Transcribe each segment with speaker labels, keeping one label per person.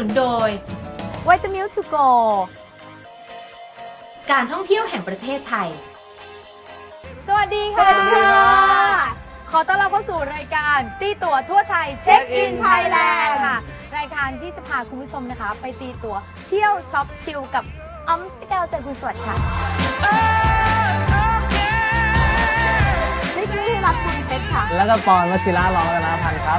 Speaker 1: นุนโดย
Speaker 2: วิตามิลทูโก
Speaker 1: การท่องเที่ยวแห่งประเทศไทย
Speaker 2: สวัสดีค่ะขอต้อนรับเข้าสู่รายการตีตั๋วทั่วไทยเช็คอินไทยแลนด์ค่ะรายการที่จะพาคุณผู้ชมนะคะไปตีตั๋วเที่ยวช็อปชิลกับอ้อมสเกลใจคุณสวัสดิ์ค่ะนิกกี้รักคุณเพชรค่ะ
Speaker 3: แล้วก็ปอนวชิระร้องกันนะพันครับ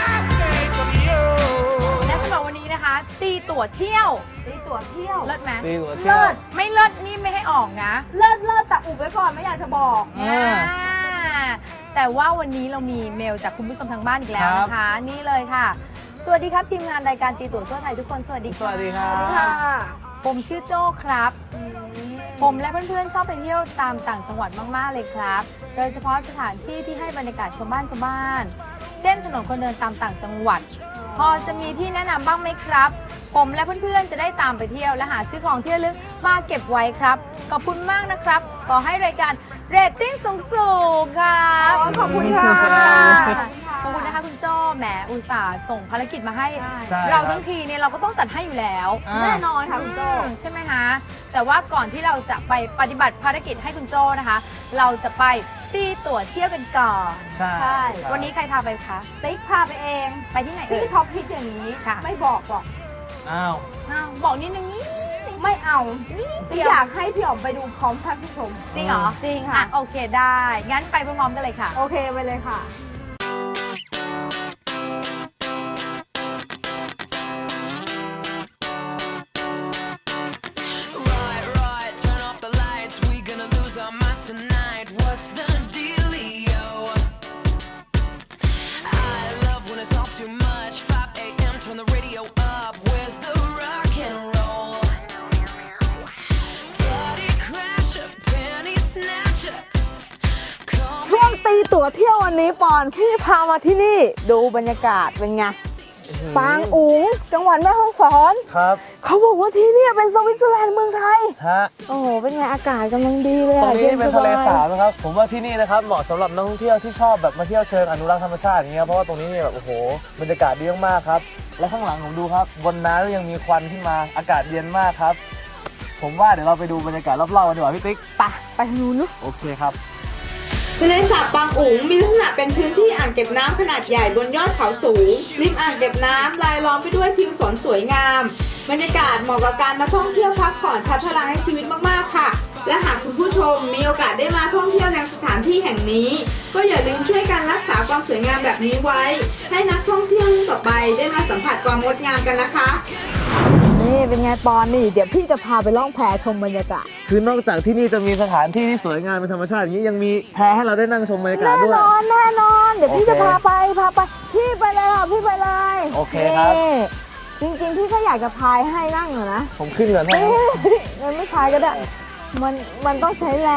Speaker 2: และสำหรับวันนี้นะคะตีตั๋วเที่ยวเลิศไหม
Speaker 3: ตีตั๋วเที่ยว
Speaker 2: ไม่เลิศนี่ไม่ให้ออกนะ
Speaker 4: เลิศแต่อุบไว้ก่อนไม่อยากจะบอก
Speaker 2: แต่ว่าวันนี้เรามีเมลจากคุณผู้ชมทางบ้านอีกแล้วนะคะนี่เลยค่ะสวัสดีครับทีมงานรายการตีตั๋วทั่วไทยทุกคนสวัสดีค่ะ
Speaker 3: สวัสดีครับ
Speaker 2: ผมชื่อโจ้ครับผมและเพื่อนๆชอบไปเที่ยวตามต่างจังหวัดมากๆเลยครับโดยเฉพาะสถานที่ที่ให้บรรยากาศชาวบ้านเช่นถนนคนเดินตามต่างจังหวัดพอจะมีที่แนะนำบ้างไหมครับผมและเพื่อนๆจะได้ตามไปเที่ยวและหาซื้อของที่ระลึกมาเก็บไว้ครับขอบคุณมากนะครับขอให้รายการเรตติ้งสูงๆครับ
Speaker 4: ขอบคุณค่ะ
Speaker 2: ขอบคุณนะคะคุณโจ้แหมอุตส่าห์ส่งภารกิจมาให้
Speaker 3: ใช่
Speaker 2: เราทั้งทีเนี่ยเราก็ต้องจัดให้อยู่แล้ว
Speaker 4: แน่นอนค่ะคุณโจ้
Speaker 2: ใช่ไหมคะแต่ว่าก่อนที่เราจะไปปฏิบัติภารกิจให้คุณโจ้นะคะ เราจะไปตีตั๋วเที่ยวกันก่อน
Speaker 3: ใช่
Speaker 4: ใช่
Speaker 2: วันนี้ใครพาไปคะ
Speaker 4: ติ๊กพาไปเอง
Speaker 2: ไปที่ไหนเอ่
Speaker 4: ที่
Speaker 2: ย
Speaker 4: ท็อปฮิตอย่างนี้
Speaker 2: ค่ะ
Speaker 4: ไม่บอกหรอก
Speaker 3: อ้าว
Speaker 2: อ้าวบอกนิดนึงนี่
Speaker 4: ไม่เอาติ๊กอยากให้พี่อ๋อมไปดูพร้อมท่านผู้ชม
Speaker 2: จริงเหรอ
Speaker 4: จริง
Speaker 2: อ่ะ
Speaker 4: ค่ะ
Speaker 2: โอเคได้งั้นไปพร้อมๆกันเลยค่ะ
Speaker 4: โอเคไปเลยค่ะ
Speaker 5: Right, turn off the lights. We gonna lose our minds tonight. What's the dealio? I love when it's all too much. 5 a.m. Turn the radio up. Where's the rock and roll? Party crasher, penny snatcher. Call
Speaker 4: ช่วงตีตั๋วเที่ยววันนี้ปอนพี่พามาที่นี่ดูบรรยากาศเป็นไงปางอุ๋งจังหวัดแม่ฮ่องสอน
Speaker 3: ครับ
Speaker 4: เขาบอกว่าที่นี่เป็นสวิตเซอร์แลนด์เมืองไทย
Speaker 3: ฮะ
Speaker 4: โอ้โหเป็นไงอากาศกำลังดีเลย
Speaker 3: ตรงนี้
Speaker 4: ย็
Speaker 3: เป็น
Speaker 4: ส
Speaker 3: ทะ
Speaker 4: บา
Speaker 3: เลย สาบนะครับ ผมว่าที่นี่นะครับเหมาะสำหรับนักท่องเที่ยวที่ชอบแบบมาเที่ยวเชิงอนุรักษ์ธรรมชาติอย่างเงี้ยเพราะว่าตรงนี้เนี่ยแบบโอ้โหบรรยากาศดีมากๆครับและข้างหลังผมดูครับบนน้ำยังมีควันขึ้นมาอากาศเย็นมากครับผมว่าเดี๋ยวเราไปดูบรรยากาศรอบๆกันดีกว่าพี่ติ๊ก
Speaker 4: ไปทางนู้นลูก
Speaker 3: โอเคครับ
Speaker 4: ทะเลสาบปางอุ๋งมีลักษณะเป็นพื้นที่อ่างเก็บน้ำขนาดใหญ่บนยอดเขาสูงริมอ่างเก็บน้ำรายล้อมไปด้วยทิวสนสวยงามบรรยากาศเหมาะกับการมาท่องเที่ยวพักผ่อนชาร์จพลังให้ชีวิตมากๆค่ะ และหากคุณผู้ชมมีโอกาสได้มาท่องเที่ยวในสถานที่แห่งนี้ ก็อย่าลืมช่วยกันรักษาความสวยงามแบบนี้ไว้ ให้นักท่องเที่ยวรุ่นต่อไปได้มาสัมผัสความงดงามกันนะคะนี่เป็นไงปอนนี่เดี๋ยวพี่จะพาไปล่องแพชมบรรยากาศ
Speaker 3: คือนอกจากที่นี่จะมีสถานที่ที่สวยงามเป็นธรรมชาติอย่างนี้ยังมีแพให้เราได้นั่งชมบรรยากาศ
Speaker 4: แน่
Speaker 3: ด้วย
Speaker 4: นอนแน่นอนเดี๋ยวพี่
Speaker 3: โอเค
Speaker 4: จะพาไปพี่ไปเลยค่ะพี่ไปเลย
Speaker 3: โอเคครับ
Speaker 4: นี่จริงๆพี่ก็อยากจะพายให้นั่งอะนะ
Speaker 3: ผมขึ้นก่อนให้
Speaker 4: มันไม่พายก็ได้มันต้องใช้แรง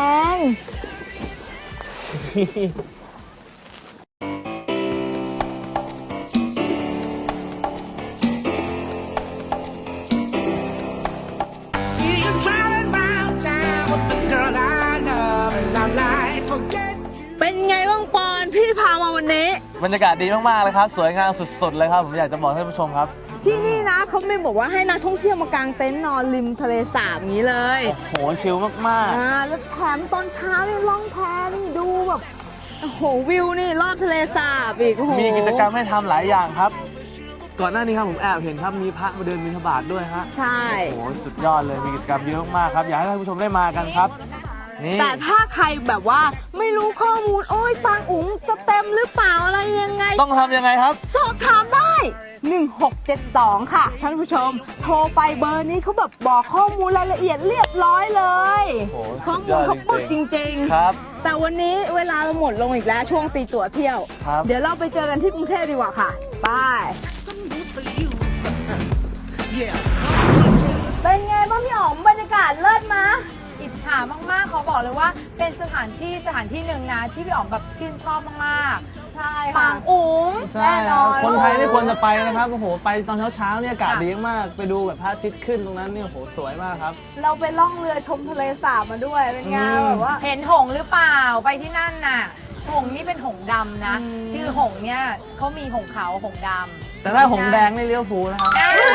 Speaker 6: See you driving round town with the girl I love, and I'm like, forget you.
Speaker 4: เป็นไงบ้างปอนพี่พามาวันนี้
Speaker 3: บรรยากาศดีมากๆเลยครับสวยงามสุดๆเลยครับผมอยากจะบอกท่านผู้ชมครับ
Speaker 4: ที่นี่นะเขาไม่บอกว่าให้นักท่องเที่ยวมากางเต็นท์นอนริมทะเลสาบอย่างนี้เลย
Speaker 3: โอ้โหชิลมาก
Speaker 4: แล้วแถมตอนเช้านี่ล่องแพนี่ดูแบบโอ้โหวิวนี่รอบทะเลสาบอีกโอ้โห
Speaker 3: ๆ มีกิจกรรมให้ทำหลายอย่างครับ ก่อนหน้านี้ครับผมแอบเห็นครับมีพระมาเดินบิณฑบาตด้วยฮะ
Speaker 4: ใช่
Speaker 3: โอ้โหสุดยอดเลยมีกิจกรรมเยอะมากครับอยากให้ท่านผู้ชมได้มากันครับนี่
Speaker 4: แต่ถ้าใครแบบว่าไม่รู้ข้อมูลโอ้ยปางอุ๋งจะเต็มหรือเปล่าอะไรยังไง
Speaker 3: ต้องทำยังไงครับ
Speaker 4: สอบถามได้ 1672 ค่ะท่านผู้ชม โทรไปเบอร์นี้เขาแบบบอกข้อมูลรายละเอียดเรียบร้อยเลย
Speaker 3: โอ้โห
Speaker 4: ข้อ
Speaker 3: สุด
Speaker 4: มู
Speaker 3: ย
Speaker 4: ล
Speaker 3: อด
Speaker 4: เขาปึก
Speaker 3: จ
Speaker 4: จ
Speaker 3: ริง
Speaker 4: ริง
Speaker 3: ๆครับ
Speaker 4: ๆ แต่วันนี้เวลาเราหมดลงอีกแล้วช่วงตีตั๋วเที่ยว
Speaker 3: ครับ
Speaker 4: เดี๋ยวเราไปเจอกันที่กรุงเทพดีกว่าค่ะไป
Speaker 6: Some news for you. Yeah, come on, Jay.
Speaker 4: เป็นไงบ้างพี่อ๋อมบรรยากาศเลิศมะ
Speaker 2: อิจฉามากๆเขาบอกเลยว่าเป็นสถานที่หนึ่งนะที่พี่อ๋อมแบบชื่นชอบมากๆ
Speaker 4: ใช่
Speaker 2: ปา
Speaker 4: ค่ะ
Speaker 2: งอุ๋ง
Speaker 3: ใช่
Speaker 4: แน่นอน
Speaker 3: คนไทยนี่ควรจะไปนะครับโอ้โหไปตอนเช้าๆเนี่ยอากาศดีมากไปดูแบบพระอาทิตย์ขึ้นตรงนั้นเนี่ยโอ้โหสวยมากครับ
Speaker 4: เราไปล่องเรือชมทะเลสาบมาด้วยเป็นไงแบบว่า
Speaker 2: เห็นหงส์หรือเปล่าไปที่นั่นน่ะหงส์นี่เป็นหงส์ดำนะ
Speaker 4: อืม
Speaker 2: คือหงส์เนี่ยเขามีหงส์ขาวหงส์ดำ
Speaker 3: แต่ถ้าหงแดงนี่เลี้ยวภูลนะครับ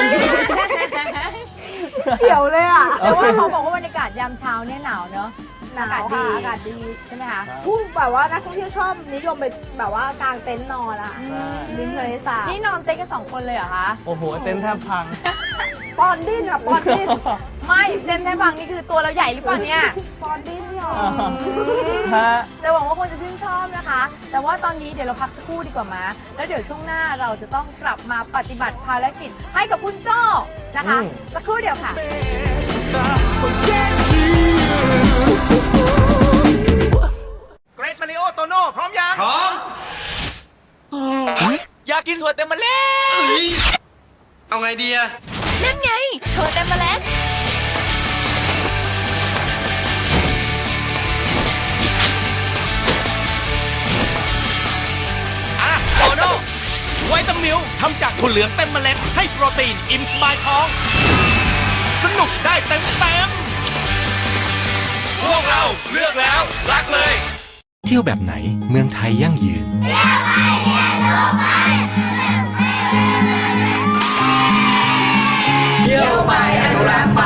Speaker 4: เขียวเลยอ่ะ
Speaker 2: แต่ว่าเขาบอกว่าบรรยากาศยามเช้าเนี่ยหนาวเนอะ
Speaker 4: หนาว
Speaker 2: อากาศดี
Speaker 4: ค่ะอากาศดี
Speaker 2: ใช่ไหมคะ
Speaker 4: ผู้แบบว่านักท่องเที่ยวชอบนิยมไปแบบว่ากางเต็นท์นอนอ่ะ
Speaker 3: ใช่
Speaker 4: ริมทะเลสาบ
Speaker 2: นี่นอนเต็นท์กัน2 คนเลยเหรอคะ
Speaker 3: โอ้โหเต็นท์แทบพัง
Speaker 4: ปอนดิ้นอ่ะปอนดิ้น
Speaker 2: ไม่เต็นท์ในฝั่งนี่คือตัวเราใหญ่หรือเปล่าเนี่ย
Speaker 4: ปอนดิ้นเนี่ย
Speaker 3: ฮะ
Speaker 2: จะหวังว่าคงจะชื่นชอบนะคะ แต่ว่าตอนนี้เดี๋ยวเราพักสักครู่ดีกว่ามาแล้วเดี๋ยวช่วงหน้าเราจะต้องกลับมาปฏิบัติภารกิจให้กับคุณโจ้นะคะ สักครู่เดียวค่ะ
Speaker 6: Forget you.
Speaker 7: เกรซมาริโอโตโน่พร้อมยัง
Speaker 8: พร้อมอยากกินถั่วเต็มเมล็ด
Speaker 7: เอาไงดีอะ
Speaker 9: นั่นไงถั่วเต็มเมล็ด
Speaker 7: อ่ะโตโน่ไวตามิลทำจากถั่วเหลืองเต็มเมล็ดให้โปรตีนอิ่มสบายท้อง สนุกได้เต็ม
Speaker 8: พวกเราเลือกแล้วรักเลย
Speaker 10: เที่ยวแบบไหนเมืองไทยยั่งยืน
Speaker 3: เที่ยวไปอนุรักษ์ไป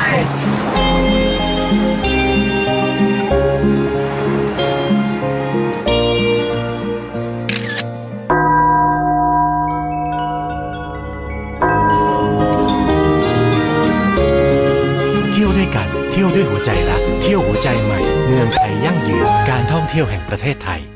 Speaker 10: เที่ยวด้วยกันเที่ยวด้วยหัวใจรัก เที่ยวหัวใจใหม่ เมืองไทยยั่งยืนการท่องเที่ยวแห่งประเทศไทย